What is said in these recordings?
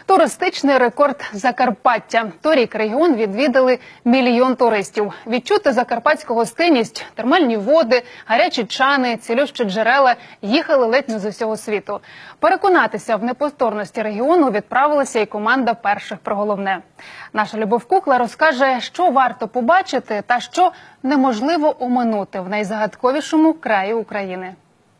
Туристичний рекорд Закарпаття. Торік регіон відвідали 1 мільйон туристів. Відчути закарпатську гостинність, термальні води, гарячі чани, цілющі джерела їхали ледь не з усього світу. Переконатися в неповторності регіону відправилася і команда перших про головне. Наша Любов Кукла розкаже, що варто побачити та що неможливо оминути в найзагадковішому краї України.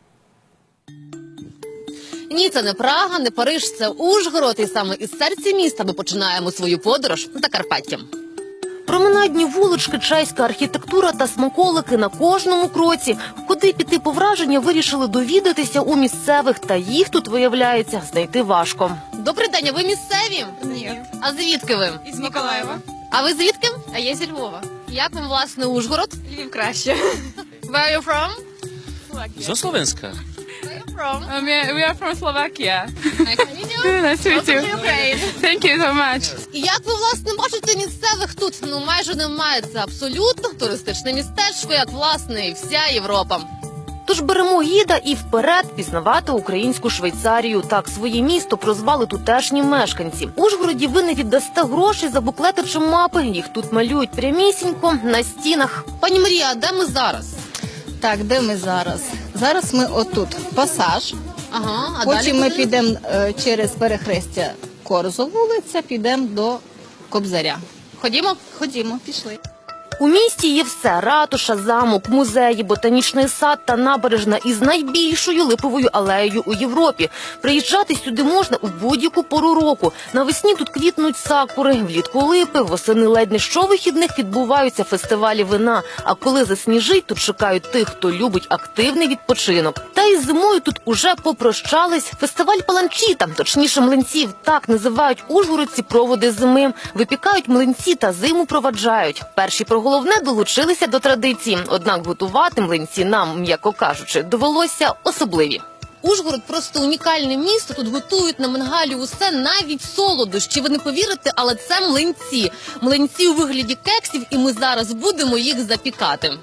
Ні, це не Прага, не Париж, це Ужгород. І саме із серця міста ми починаємо свою подорож Закарпаттям. Променадні вулички, чеська архітектура та смаколики на кожному кроці. Куди піти по враження, вирішили довідатися у місцевих. Та їх тут, виявляється, знайти важко. Добрий день, а ви місцеві? Ні. А звідки ви? Із Миколаєва. А ви звідки? А я зі Львова. Як вам, власне, Ужгород? Львів краще. Where are you from? Zo Slovenska. Where are you from? We are from Slovakia. Nice to meet you. Nice to meet you. Thank you so much. І як ви, власне, бачите місцевих тут? Ну, майже немає. Це абсолютно туристичне містечко, як, власне, і вся Європа. Тож беремо гіда і вперед пізнавати українську Швейцарію. Так своє місто прозвали тутешні мешканці. В Ужгороді ви не віддасте грошей за буклети чи мапи. Їх тут малюють прямісінько на стінах. Пані Марія, а де ми зараз? Так, де ми зараз? Зараз ми отут, пасаж. Ага, а Потім далі ми куди? підемо через перехрестя Корзу вулиця, підемо до Кобзаря. Ходімо? Ходімо, пішли. У місті є все – ратуша, замок, музеї, ботанічний сад та набережна із найбільшою липовою алеєю у Європі. Приїжджати сюди можна у будь-яку пору року. Навесні тут квітнуть сакури, влітку липи, восени ледь не щовихідних відбуваються фестивалі вина. А коли засніжить, тут чекають тих, хто любить активний відпочинок. Та із зимою тут уже попрощались. Фестиваль паланчіта, точніше млинців, так називають ужгородці проводи зими. Випікають млинці та зиму проваджають. Перші про головне долучилися до традиції. Однак готувати млинці нам, м'яко кажучи, довелося особливі. Ужгород просто унікальне місто. Тут готують на мангалі усе, навіть солодощі. Ви не повірите, але це млинці. Млинці у вигляді кексів, і ми зараз будемо їх запікати.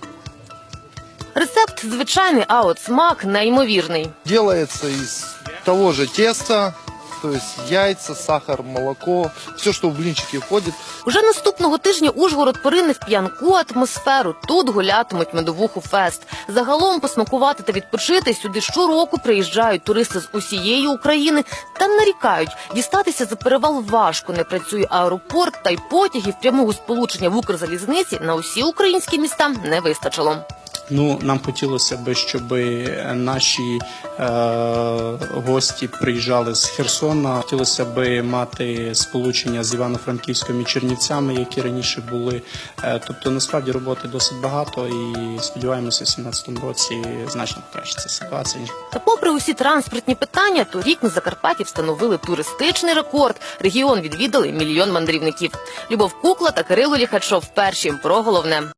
Рецепт звичайний, а от смак неймовірний. Делается из того же теста, то есть яйца, сахар, молоко, все, что в блинчики входит. Уже наступного тижня Ужгород порине в п'янку атмосферу. Тут гулятимуть медовуху фест. Загалом посмакувати та відпочити сюди щороку приїжджають туристи з усієї України та нарікають. Дістатися за перевал важко, не працює аеропорт, та й потягів прямого сполучення в Укрзалізниці на усі українські міста не вистачило. Ну, нам хотілося б, щоб наші гості приїжджали з Херсона. Хотілося б мати сполучення з Івано-Франківськом і Чернівцями, які раніше були. Тобто, насправді, роботи досить багато і сподіваємося, в 2017 році значно покращиться ситуація. Та попри усі транспортні питання, торік на Закарпатті встановили туристичний рекорд. Регіон відвідали 1 мільйон мандрівників. Любов Кукла та Кирило Ліхачов. Перші про головне.